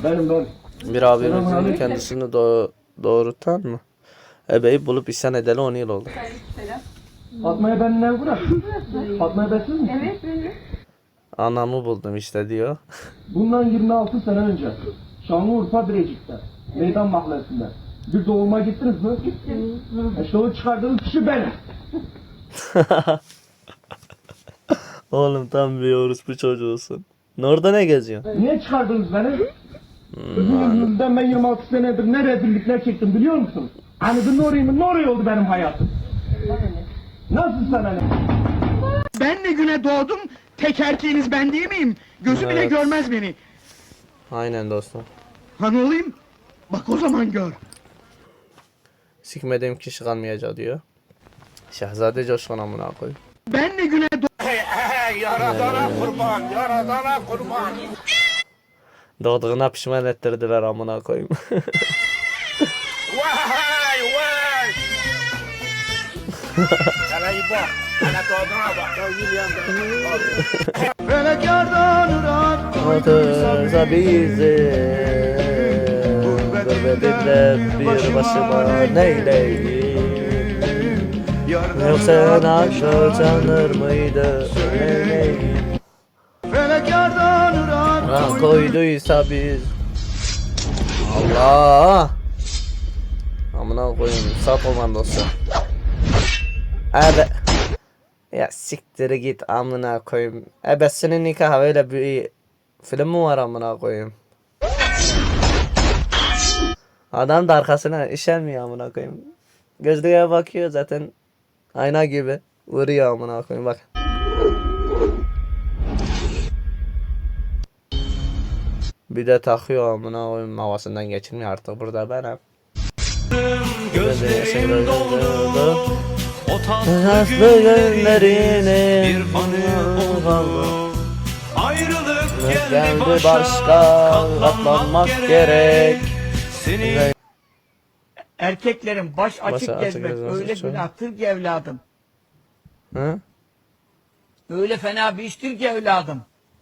Benim. Bir abimizin kendisini doğurtan mı? Ebeyi bulup isyan edeli 10 yıl oldu. Fatma'ya ben ne bırak? Fatma'ya bensiz misin? Evet benim. Anamı buldum işte diyor. Bundan 26 sene önce Şanlıurfa Birecik'te, Meydan Mahallesi'nde bir doğuma gittiniz mi? Gittim. İşte o çıkardığınız kişi benim. Oğlum tam bir orospu çocuğusun. Orada ne geziyorsun? Niye çıkardınız beni? Sizin yüzünüzden ben 26 senedir ne rezillikler çektim biliyor musun? Hani ne oraya oldu benim hayatım? Nasıl sana ne? Ben ne güne doğdum, tek erkeğiniz ben değil miyim? Gözü bile Evet. görmez beni. Aynen dostum. Ha ne olayım? Bak o zaman gör. Sikmediğim kişi kalmayacak diyor. Şehzade Coşkun amına koy. Ben ne güne Yaradana kurban, yaradana kurban. Doğduğuna pişman ettirdiler amına koyayım. Vay vay. Kalayı bak, ana doğduna bak. Ya William Atırsa bizi gurbetinde bir başıma neyleyim? Yoksa nasıl sanır mıydı neyleyim? Ha koyduysa biz Allah amına koyayım sağ komandosu. Abi ya siktir git amına koyayım. Ebesinin nikahı öyle bir film mi var amına koyayım? Adam da arkasına işenmiyor amına koyayım. Gözlüğe bakıyor zaten ayna gibi vuruyor amına koyayım bak. Bir de takıyor amına koyayım havasından geçirmiyor artık burada benim. Gözlerim doldu. O tatlı günlerini bir kaldı. Ayrılık geldi başka katlanmak gerek. Erkeklerin baş açık açık gezmek gezmesi öyle çok. günahtır ki evladım. Hı? Öyle fena bir iştir ki evladım.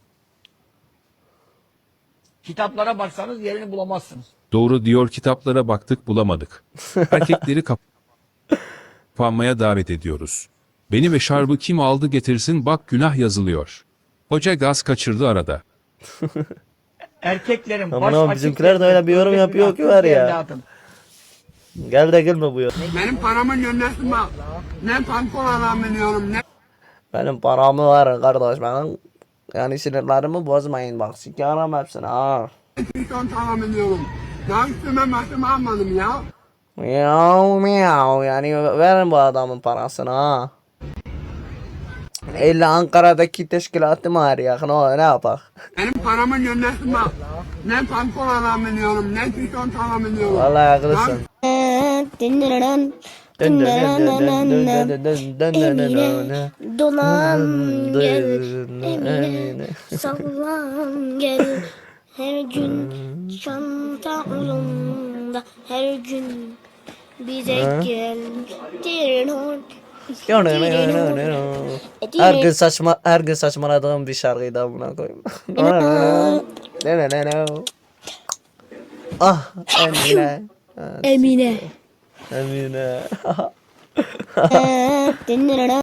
Kitaplara baksanız yerini bulamazsınız. Doğru diyor, kitaplara baktık bulamadık. Erkekleri kapanmaya davet ediyoruz. Beni ve şarbı kim aldı getirsin, bak günah yazılıyor. Hoca gaz kaçırdı arada. Erkeklerin Aman baş oğlum, açık bizimkiler de öyle gezmek bir yorum öyle yapıyor ki günahtır var ya. evladım. Gel de gülme bu yol. Benim paramın yönlensin bak. Ne pantolon alabiliyorum, ne Benim paramı var kardeş benim. Yani sinirlerimi bozmayın bak sikerim hepsini ha. tişört alabiliyorum. Daha üstüme başıma almadım ya. Miyav miyav yani verin bu adamın parasını ha. İlla Ankara'daki teşkilatı mı arıyor ne yapak? Benim paramın yönlensin bak. Ne pantolon alabiliyorum, ne tişört alabiliyorum. Vallahi haklısın. Emine dolan gel, Emine sallan gel. Her gün çanta omzumda, her gün bize gel. Her gün saçmaladığım bir şarkıydı amına koyayım. Ah Emine. Emine. Emine.